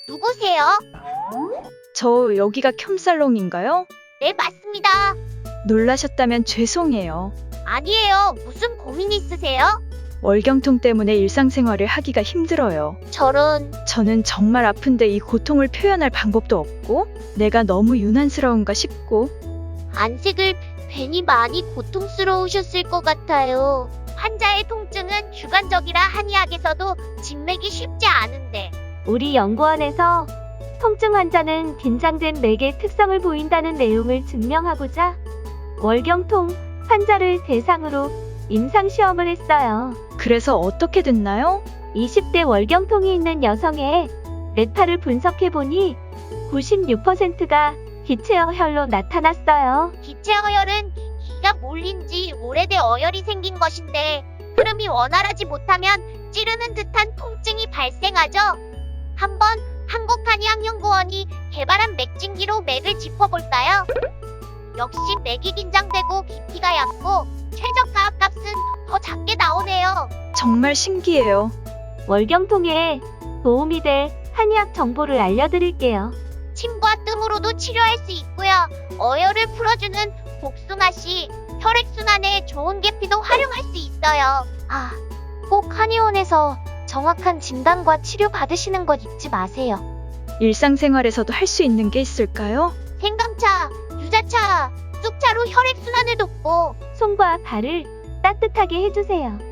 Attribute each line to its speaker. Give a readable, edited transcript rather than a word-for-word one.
Speaker 1: 누구세요?
Speaker 2: 저 여기가 켬살롱인가요?
Speaker 1: 네, 맞습니다.
Speaker 2: 놀라셨다면 죄송해요.
Speaker 1: 아니에요. 무슨 고민 있으세요?
Speaker 2: 월경통 때문에 일상생활을 하기가 힘들어요.
Speaker 1: 저런,
Speaker 2: 저는 정말 아픈데 이 고통을 표현할 방법도 없고 내가 너무 유난스러운가 싶고
Speaker 1: 안색을 괜히 많이 고통스러우셨을 것 같아요. 환자의 통증은 주관적이라 한의학에서도 진맥이 쉽지 않은데.
Speaker 3: 우리 연구원에서 통증 환자는 긴장된 맥의 특성을 보인다는 내용을 증명하고자 월경통 환자를 대상으로 임상시험을 했어요.
Speaker 2: 그래서 어떻게 됐나요?
Speaker 3: 20대 월경통이 있는 여성의 뇌파를 분석해보니 96%가 기체어혈로 나타났어요.
Speaker 1: 기체어혈은 기가 몰린 지 오래돼 어혈이 생긴 것인데 흐름이 원활하지 못하면 찌르는 듯한 통증이 발생하죠. 한번 한국한의학연구원이 개발한 맥진기로 맥을 짚어볼까요? 역시 맥이 긴장되고 깊이가 얕고 최저가 값은 더 작게 나오네요.
Speaker 2: 정말 신기해요.
Speaker 3: 월경통에 도움이 될 한의학 정보를 알려드릴게요.
Speaker 1: 침과 뜸으로도 치료할 수 있고요. 어혈을 풀어주는 복숭아씨, 혈액순환에 좋은 계피도 활용할 수 있어요. 꼭 한의원에서 정확한 진단과 치료 받으시는 것 잊지 마세요.
Speaker 2: 일상생활에서도 할 수 있는 게 있을까요?
Speaker 1: 생강차, 유자차, 쑥차로 혈액순환을 돕고
Speaker 3: 손과 발을 따뜻하게 해주세요.